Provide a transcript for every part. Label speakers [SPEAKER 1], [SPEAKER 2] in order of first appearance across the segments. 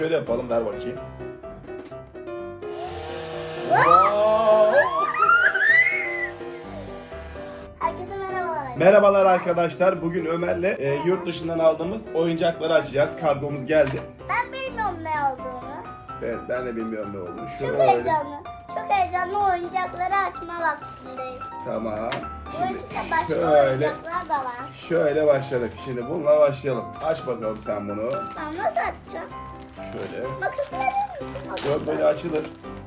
[SPEAKER 1] Şöyle yapalım, ver bakayım. Wow.
[SPEAKER 2] Herkese merhabalar.
[SPEAKER 1] Merhabalar arkadaşlar. Bugün Ömer'le yurt dışından aldığımız oyuncakları açacağız. Kargomuz geldi.
[SPEAKER 2] Ben bilmiyorum ne olduğunu.
[SPEAKER 1] Evet, ben de bilmiyorum ne olduğunu.
[SPEAKER 2] Çok heyecanlı. Çok heyecanlı oyuncakları açma vaktindeyim.
[SPEAKER 1] Tamam.
[SPEAKER 2] Bu içinde başka
[SPEAKER 1] şöyle,
[SPEAKER 2] oyuncaklar da var.
[SPEAKER 1] şöyle başladık. Şimdi bununla başlayalım. Aç bakalım sen bunu.
[SPEAKER 2] Ben nasıl açacağım?
[SPEAKER 1] Şöyle.
[SPEAKER 2] Makas verir misin?
[SPEAKER 1] Yok, böyle açılır.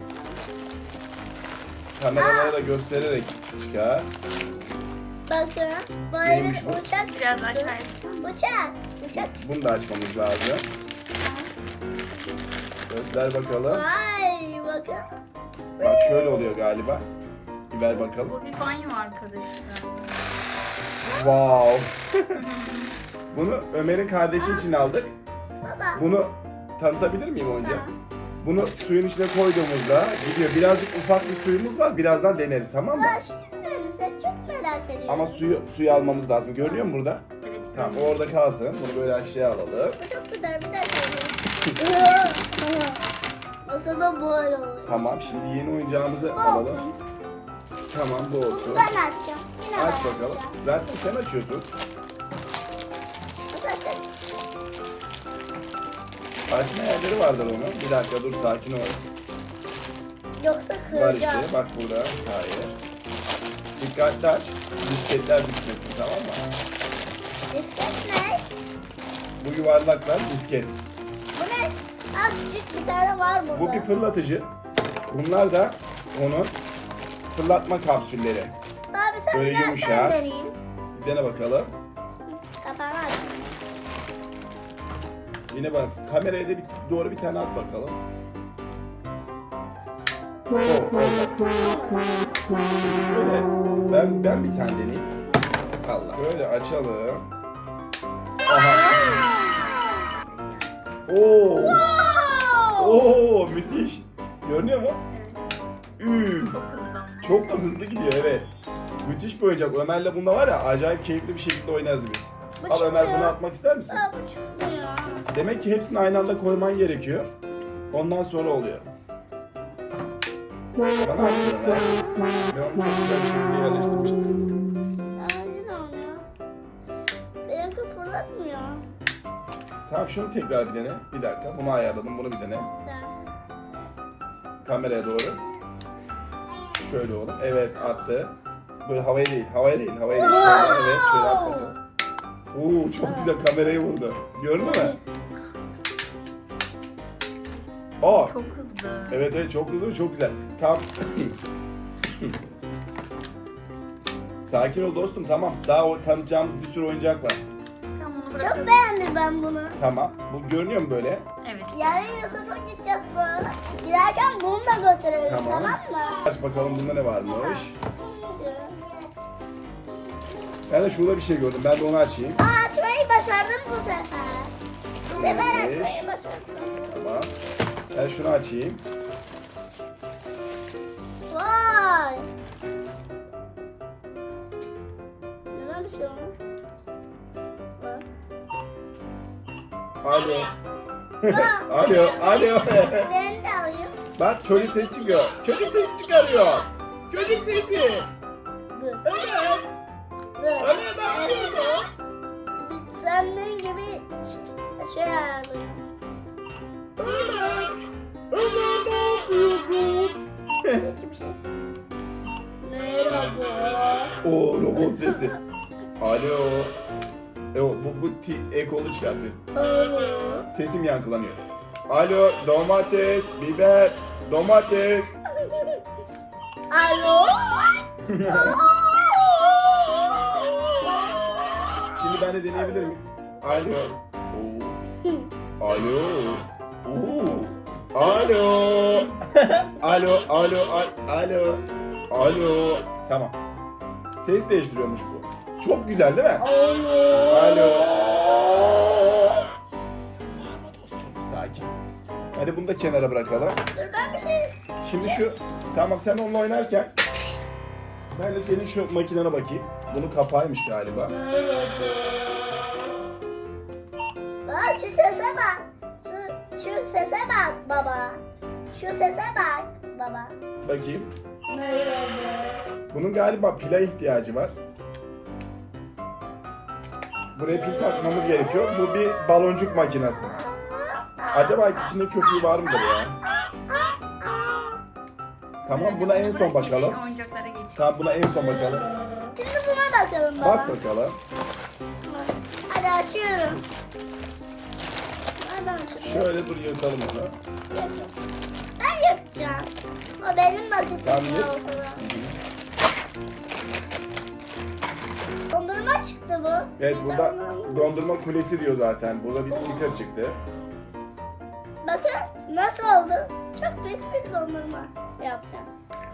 [SPEAKER 1] Kameralara da göstererek çıkar.
[SPEAKER 2] Bakın böyle
[SPEAKER 1] Neymiş bu?
[SPEAKER 2] uçak.
[SPEAKER 3] Biraz aşağıya.
[SPEAKER 2] Uçak.
[SPEAKER 1] Bunu da açmamız lazım. Göster bakalım.
[SPEAKER 2] Vay bakın.
[SPEAKER 1] Bak şöyle oluyor galiba. Bir ver bakalım.
[SPEAKER 3] Bu bir banyo arkadaşlar.
[SPEAKER 1] Wow. Bunu Ömer'in kardeşi için aldık.
[SPEAKER 2] Baba.
[SPEAKER 1] Bunu tanıtabilir miyim önce?
[SPEAKER 2] Tamam.
[SPEAKER 1] Bunu suyun içine koyduğumuzda gidiyor. Birazcık ufak bir suyumuz var. Birazdan deneriz, tamam mı?
[SPEAKER 2] Ben şimdi söylesek çok merak ediyorum.
[SPEAKER 1] Ama suyu almamız lazım. Görünüyor mu burada?
[SPEAKER 3] Evet.
[SPEAKER 1] Tamam, o orada kalsın. Bunu böyle aşağıya alalım.
[SPEAKER 2] Bu çok güzel bir dakika. Masada böyle oluyor.
[SPEAKER 1] Tamam, şimdi yeni oyuncağımızı
[SPEAKER 2] Bu
[SPEAKER 1] alalım.
[SPEAKER 2] olsun.
[SPEAKER 1] Tamam, bu olsun.
[SPEAKER 2] Bunu ben açacağım. Yine ben
[SPEAKER 1] Aç bakalım.
[SPEAKER 2] açacağım.
[SPEAKER 1] Zaten sen açıyorsun.
[SPEAKER 2] Nasıl açacağım?
[SPEAKER 1] Açma yerleri vardır onun. Bir dakika dur, sakin ol.
[SPEAKER 2] Yoksa
[SPEAKER 1] Var
[SPEAKER 2] kıracağım.
[SPEAKER 1] işte, bak burada. Hayır. Dikkatli aç. Disketler düşmesin, tamam mı?
[SPEAKER 2] Disket ne?
[SPEAKER 1] Bu yuvarlaklar disket.
[SPEAKER 2] Bu ne? Az küçük bir tane var burada.
[SPEAKER 1] Bu bir fırlatıcı. Bunlar da onun fırlatma kapsülleri.
[SPEAKER 2] Abi sen
[SPEAKER 1] böyle
[SPEAKER 2] biraz
[SPEAKER 1] yumuşak.
[SPEAKER 2] sen deneyeyim.
[SPEAKER 1] Bir dene bakalım.
[SPEAKER 2] Kapağını aç.
[SPEAKER 1] Yine bak, kameraya da doğru bir tane at bakalım. Şöyle ben bir tane deneyeyim. Allah. Böyle açalım. Aha. Oo. Oo, müthiş. Görünüyor mu?
[SPEAKER 3] Evet.
[SPEAKER 1] Üf.
[SPEAKER 3] Çok hızlı ama.
[SPEAKER 1] Çok da hızlı gidiyor, evet. Müthiş bir oyuncak. Ömer'le bunda var ya, acayip keyifli bir şekilde oynarız biz.
[SPEAKER 2] Bu
[SPEAKER 1] Al Ömer,
[SPEAKER 2] çıkmıyor.
[SPEAKER 1] bunu atmak ister misin?
[SPEAKER 2] Aa, bu çıkmıyor.
[SPEAKER 1] Demek ki hepsini aynı anda koyman gerekiyor. Ondan sonra oluyor. Bana attı Ömer. Ben onu çok güzel bir şekilde yerleştirmiştim.
[SPEAKER 2] Aynen oluyor. Benimki fırlatmıyor.
[SPEAKER 1] Tamam, şunu tekrar bir dene. Bir dakika, bunu ayarladım, bunu bir dene. Kameraya doğru. Şöyle oğlum. Evet, attı. Böyle havaya değil. Şöyle, evet, şöyle at bakalım. Oo, çok güzel kamerayı vurdu. Gördün mü? Aa,
[SPEAKER 3] Çok hızlı.
[SPEAKER 1] evet, çok hızlı ve çok güzel. Tamam. Sakin ol dostum, tamam. Daha tanıtacağımız bir sürü oyuncak var.
[SPEAKER 3] Tamam, onu
[SPEAKER 2] Çok
[SPEAKER 3] bırakalım.
[SPEAKER 2] beğendim ben bunu.
[SPEAKER 1] Tamam. Bu görünüyor mu böyle?
[SPEAKER 3] Evet.
[SPEAKER 2] Yarın Yusuf'a gideceğiz böyle. Giderken bunu da götürelim,
[SPEAKER 1] Tamam.
[SPEAKER 2] tamam mı?
[SPEAKER 1] Aç bakalım bunda ne varmış. Ben de şurada bir şey gördüm. Ben de onu açayım.
[SPEAKER 2] Aa, açmayı başardım bu sefer. Bu sefer
[SPEAKER 1] Neymiş?
[SPEAKER 2] açmayı başardım.
[SPEAKER 1] Tamam. Ben şunu açayım.
[SPEAKER 2] Vay. Neden bir şey olmuş? Bak.
[SPEAKER 1] Alo. Alo.
[SPEAKER 2] Ben de alayım.
[SPEAKER 1] Bak, çocuk sesi çıkıyor. Çocuk sesi çıkarıyor. Çocuk sesi.
[SPEAKER 2] Bu.
[SPEAKER 1] Ömer.
[SPEAKER 2] Bu.
[SPEAKER 1] Ömer ne yapıyorsun?
[SPEAKER 2] Senden gibi şey ayarlıyorum.
[SPEAKER 1] Ömer ne yapıyorsun?
[SPEAKER 2] Peki bir şey. Merhaba.
[SPEAKER 1] Oo, robot sesi. Alo. Bu ekolu çıkartıyor.
[SPEAKER 2] Alo.
[SPEAKER 1] Sesim yankılanıyor. Alo, domates, biber, domates.
[SPEAKER 2] Alo.
[SPEAKER 1] Şimdi ben de deneyebilir miyim? Alo. Oo. Alo. Oo. Alo. Alo. Alo. Tamam. Ses değiştiriyormuş bu. Çok güzel değil mi? Alo. Bağırma dostum, sakin. Hadi bunu da kenara bırakalım.
[SPEAKER 2] Dur ben bir şey.
[SPEAKER 1] Şimdi tamam, sen onunla oynarken ben de senin şu makinene bakayım. Bunun kapağıymış galiba.
[SPEAKER 2] Bak şu sese bak. Şu Şu sese bak baba. Şu sese bak baba.
[SPEAKER 1] Bakayım.
[SPEAKER 2] Merhaba.
[SPEAKER 1] Bunun galiba pila ihtiyacı var. Buraya pil takmamız gerekiyor. Bu bir baloncuk makinesi. Acaba içinde köpüğü var mıdır ya? Tamam, buna en son bakalım.
[SPEAKER 3] Oyuncaklara geçelim.
[SPEAKER 1] Tamam, buna en son bakalım.
[SPEAKER 2] Şimdi buna bakalım baba.
[SPEAKER 1] Bak bakalım.
[SPEAKER 2] Hadi açıyorum. Nereden açıyorum?
[SPEAKER 1] Şöyle dur, yırtalım onu.
[SPEAKER 2] Ben yapacağım. O benim makisim
[SPEAKER 1] Tamam, yap.
[SPEAKER 2] olsun. Dondurma çıktı bu.
[SPEAKER 1] Evet,
[SPEAKER 2] Bir
[SPEAKER 1] burada
[SPEAKER 2] tane-
[SPEAKER 1] dondurma kulesi diyor zaten. Burada bir sticker çıktı.
[SPEAKER 2] Bakın nasıl oldu? Çok büyük bir dondurma yapacağım.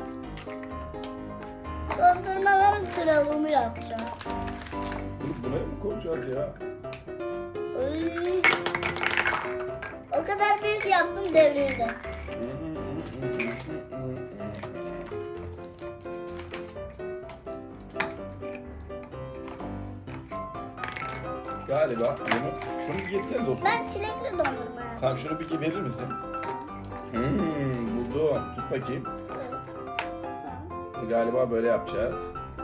[SPEAKER 2] Dondurmaların kralını yapacağım.
[SPEAKER 1] Buna mı koyacağız ya?
[SPEAKER 2] Iy. O kadar büyük yaptım devrildi.
[SPEAKER 1] Galiba şunu bir getirsene dostum.
[SPEAKER 2] Ben çilekli dondurma yapacağım.
[SPEAKER 1] Tamam, şunu bir verir misin? Buldum. Tut bakayım. Galiba böyle yapacağız.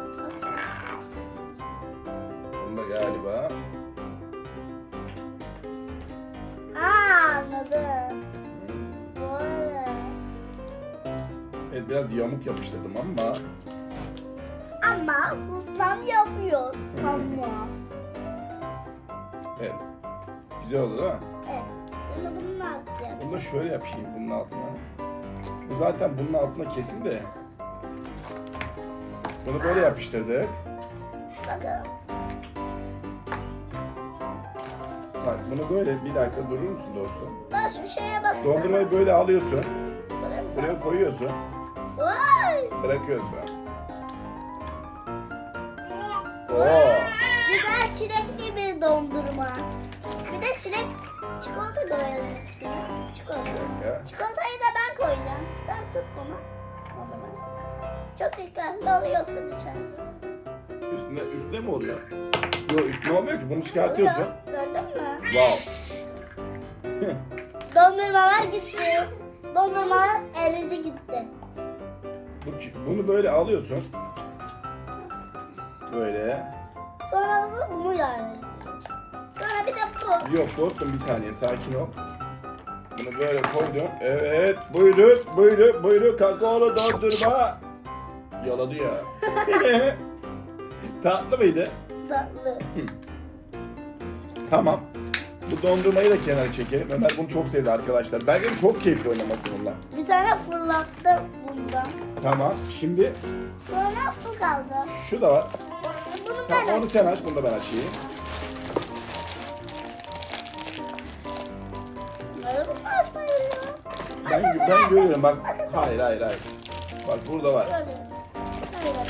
[SPEAKER 1] Bunu da galiba.
[SPEAKER 2] Anladım. Böyle.
[SPEAKER 1] Evet, biraz yamuk yapıştırdım ama.
[SPEAKER 2] Ama ustam yapıyor. Ama.
[SPEAKER 1] Evet. Güzel oldu değil mi?
[SPEAKER 2] Evet. Şimdi bunu nasıl yapacağım?
[SPEAKER 1] Bunu da şöyle yapayım bunun altına. Bu zaten bunun altına kesin de. Bunu böyle yapıştırdık.
[SPEAKER 2] Bakalım.
[SPEAKER 1] Bak, bunu böyle bir dakika durur musun dostum?
[SPEAKER 2] Bak şu şeye bak.
[SPEAKER 1] Dondurmayı böyle alıyorsun. Buraya koyuyorsun.
[SPEAKER 2] Vay.
[SPEAKER 1] Bırakıyorsun. Oo.
[SPEAKER 2] Güzel çilekli bir dondurma. Bir de çikolata koyalım üstüne. Çikolata.
[SPEAKER 1] Ya.
[SPEAKER 2] Çikolatayı da ben koyacağım. Sen tut bunu. O zaman. Çok dikkatli ol yoksa düşer.
[SPEAKER 1] Üstüne mi oluyor? Yok, üstüne olmuyor ki. Bunu çıkartıyorsun.
[SPEAKER 2] Oluyor. Gördün mü?
[SPEAKER 1] Wow.
[SPEAKER 2] Dondurmalar gitti. Dondurmalar eridi gitti.
[SPEAKER 1] Bunu böyle alıyorsun. Böyle.
[SPEAKER 2] Sonra bunu yerleştireceğiz. Sonra bir de bu.
[SPEAKER 1] Yok dostum, bir saniye, sakin ol. Bunu böyle koydum. Evet, buyurun kakaolu dondurma. Yaladı ya. Tatlı mıydı?
[SPEAKER 2] Tatlı.
[SPEAKER 1] Tamam. Bu dondurmayı da kenara çekelim. Ömer bunu çok sevdi arkadaşlar. Bence de çok keyifli oynaması bunlar.
[SPEAKER 2] Bir tane fırlattım bundan.
[SPEAKER 1] Tamam, şimdi
[SPEAKER 2] Sonra bu kaldı.
[SPEAKER 1] şu da var.
[SPEAKER 2] Bunu
[SPEAKER 1] Tamam,
[SPEAKER 2] ben
[SPEAKER 1] onu sen aç, bunu da ben açayım.
[SPEAKER 2] açmadım. Bunu açmayı
[SPEAKER 1] Ben görüyorum bak. Hayır. Bak burada var.
[SPEAKER 2] Görüyorum. Hayır.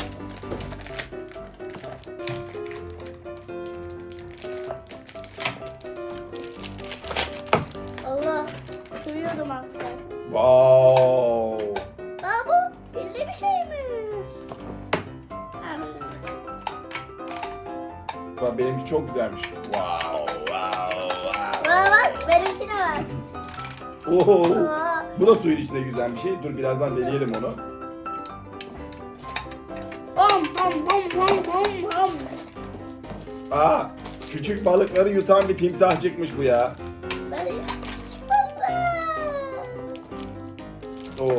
[SPEAKER 2] Allah. Kırıyordum az kalsın.
[SPEAKER 1] Wow.
[SPEAKER 2] Aa bu pilli bir şeymiş. Ha.
[SPEAKER 1] Bak, benimki çok güzelmiş. Wow.
[SPEAKER 2] Bana bak benimkine bak.
[SPEAKER 1] Oo.
[SPEAKER 2] Aa.
[SPEAKER 1] Bu da suyun içinde güzel bir şey. Dur, birazdan deneyelim onu.
[SPEAKER 2] Hom hom hom hom hom hom.
[SPEAKER 1] Aa, küçük balıkları yutan bir timsah çıkmış bu ya.
[SPEAKER 2] Ben çikolata.
[SPEAKER 1] Oo.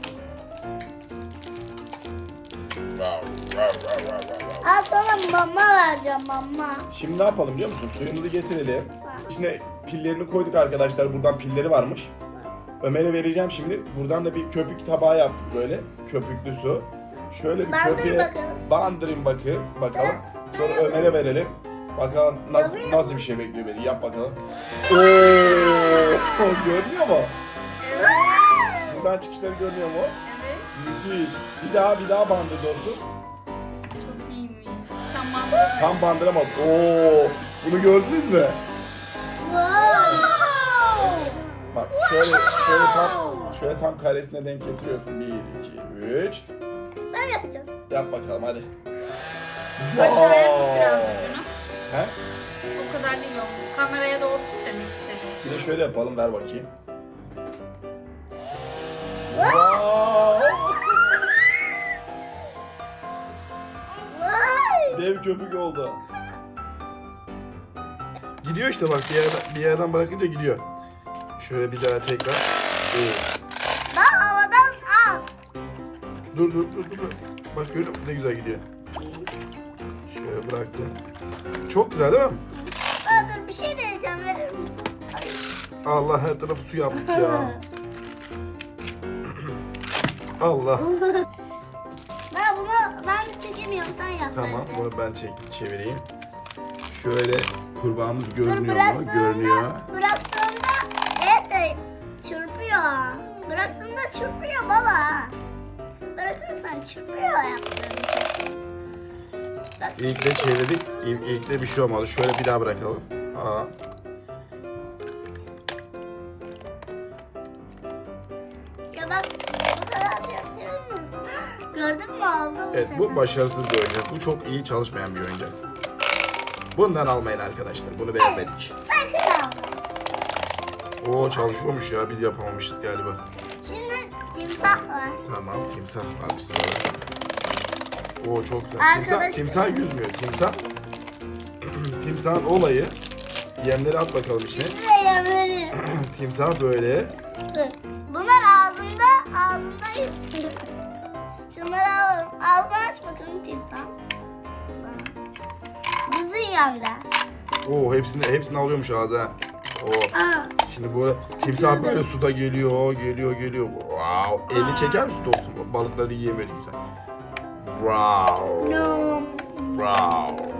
[SPEAKER 2] Al sana mama vereceğim mama.
[SPEAKER 1] Şimdi ne yapalım biliyor musun? Suyumuzu getirelim. İçine pillerini koyduk arkadaşlar. Buradan pilleri varmış. Ömer'e vereceğim şimdi. Buradan da bir köpük tabağı yaptık böyle. Köpüklü su. Şöyle bir
[SPEAKER 2] Bandır
[SPEAKER 1] köpüğe
[SPEAKER 2] bakalım.
[SPEAKER 1] bandırayım bakalım. Sonra Ömer'e verelim. Bakalım nasıl bir şey bekliyor beni. Yap bakalım. Oo! Görünüyor mu? Buradan çıkışları görünüyor mu?
[SPEAKER 3] Evet.
[SPEAKER 1] Müthiş. Bir daha bandır dostum.
[SPEAKER 3] Çok iyiymiş. Tamam.
[SPEAKER 1] Tam bandıramadım. Oo! Bunu gördünüz mü?
[SPEAKER 2] Wow.
[SPEAKER 1] Bak şöyle tam karesine denk getiriyorsun. 1 2 3.
[SPEAKER 2] Ben yapacağım.
[SPEAKER 1] Yap bakalım hadi.
[SPEAKER 3] Aşağıya tut biraz ucunu.
[SPEAKER 1] He?
[SPEAKER 3] O kadar değil o. Kameraya doğru tut demek istedim.
[SPEAKER 1] Bir de şöyle yapalım, ver bakayım. Wow!
[SPEAKER 2] Vay.
[SPEAKER 1] Dev köpük oldu. Gidiyor işte bak, bir yerden bırakınca gidiyor. Şöyle bir daha tekrar. Evet.
[SPEAKER 2] Daha havadan al.
[SPEAKER 1] Dur. Bak görüyor musun ne güzel gidiyor. Şöyle bıraktım. Çok güzel değil mi?
[SPEAKER 2] Dur bir şey deneyeceğim, verir misin? Ay.
[SPEAKER 1] Allah, her tarafı su yaptık ya. Allah.
[SPEAKER 2] Ben çekemiyorum, sen yap.
[SPEAKER 1] Tamam,
[SPEAKER 2] bence.
[SPEAKER 1] bunu ben çevireyim. Şöyle kurbağamız
[SPEAKER 2] Dur,
[SPEAKER 1] görünüyor mu? Görünüyor.
[SPEAKER 2] Bıraktığımda evet de çırpıyor. Bıraktığımda çırpıyor baba. Bırakırsan çırpıyor yaptığım. Bak.
[SPEAKER 1] İlk de çevirdik. İlk de bir şey olmadı. Şöyle bir daha bırakalım. Aa.
[SPEAKER 2] Ya bak, bu kadar şey yapabilir misin? Gördün mü, oldu bu
[SPEAKER 1] Evet,
[SPEAKER 2] sefer.
[SPEAKER 1] bu başarısız bir oyuncak. Bu çok iyi çalışmayan bir oyuncak. Bundan almayın arkadaşlar. Bunu beğenmedik.
[SPEAKER 2] Sakın al.
[SPEAKER 1] Oo, çalışıyormuş ya. Biz yapamamışız galiba.
[SPEAKER 2] Şimdi timsah var.
[SPEAKER 1] Tamam, timsah var bir sırada. Oo, çok güzel.
[SPEAKER 2] Arkadaş-
[SPEAKER 1] Timsah yüzmüyor. Timsahın olayı. Yemleri at bakalım içine.
[SPEAKER 2] Ve yemleri.
[SPEAKER 1] Timsah böyle.
[SPEAKER 2] Dur. Bunlar ağzında yüzüyor. Şunları alalım. Ağzını aç bakalım timsah. Bizim yanında.
[SPEAKER 1] Oo, hepsini alıyormuş ağza. Oo.
[SPEAKER 2] Aa.
[SPEAKER 1] Şimdi bu timsah böyle suda geliyor. Wow. Elini çeker misin dostum? Balıkları yiyemiyor timsah. Wow.
[SPEAKER 2] No.
[SPEAKER 1] Wow.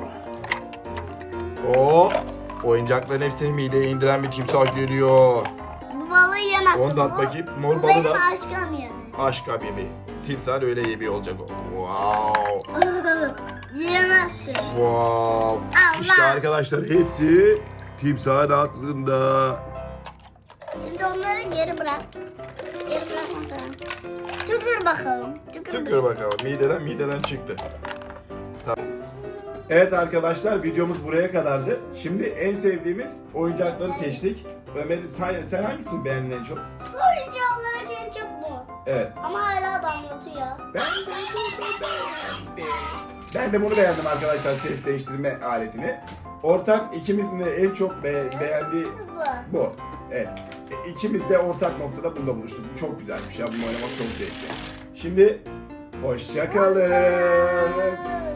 [SPEAKER 1] O oyuncakların hepsini mideye indiren bir timsah geliyor.
[SPEAKER 2] Bu balığı yemezsin.
[SPEAKER 1] Onu da at
[SPEAKER 2] Bu-
[SPEAKER 1] bakayım. Mor
[SPEAKER 2] Bu
[SPEAKER 1] balığı
[SPEAKER 2] benim
[SPEAKER 1] da.
[SPEAKER 2] aşkım yemeğim.
[SPEAKER 1] Aşka bebeği. Timsah öyle yemeği olacak o. Wow.
[SPEAKER 2] Yiyemezsin.
[SPEAKER 1] Wow.
[SPEAKER 2] Allah.
[SPEAKER 1] İşte arkadaşlar hepsi timsahın aklında.
[SPEAKER 2] Şimdi onları geri bırak. Geri bırakmasana. Tükür bakalım.
[SPEAKER 1] Tükür bakalım. Mideden çıktı. Tamam. Evet arkadaşlar, videomuz buraya kadardı. Şimdi en sevdiğimiz oyuncakları seçtik. Ömer, sen hangisini beğendin en çok?
[SPEAKER 2] Sonucu olarak en çok bu.
[SPEAKER 1] Evet.
[SPEAKER 2] Ama hala damlatıyor.
[SPEAKER 1] Ben de bunu beğendim arkadaşlar, ses değiştirme aletini. Ortak ikimizin de en çok beğendiği
[SPEAKER 2] Bu.
[SPEAKER 1] bu. Evet. İkimiz de ortak noktada bunda buluştuk. Bu çok güzelmiş ya. Bunu oynamak çok zevkli. Şimdi hoşça kalın.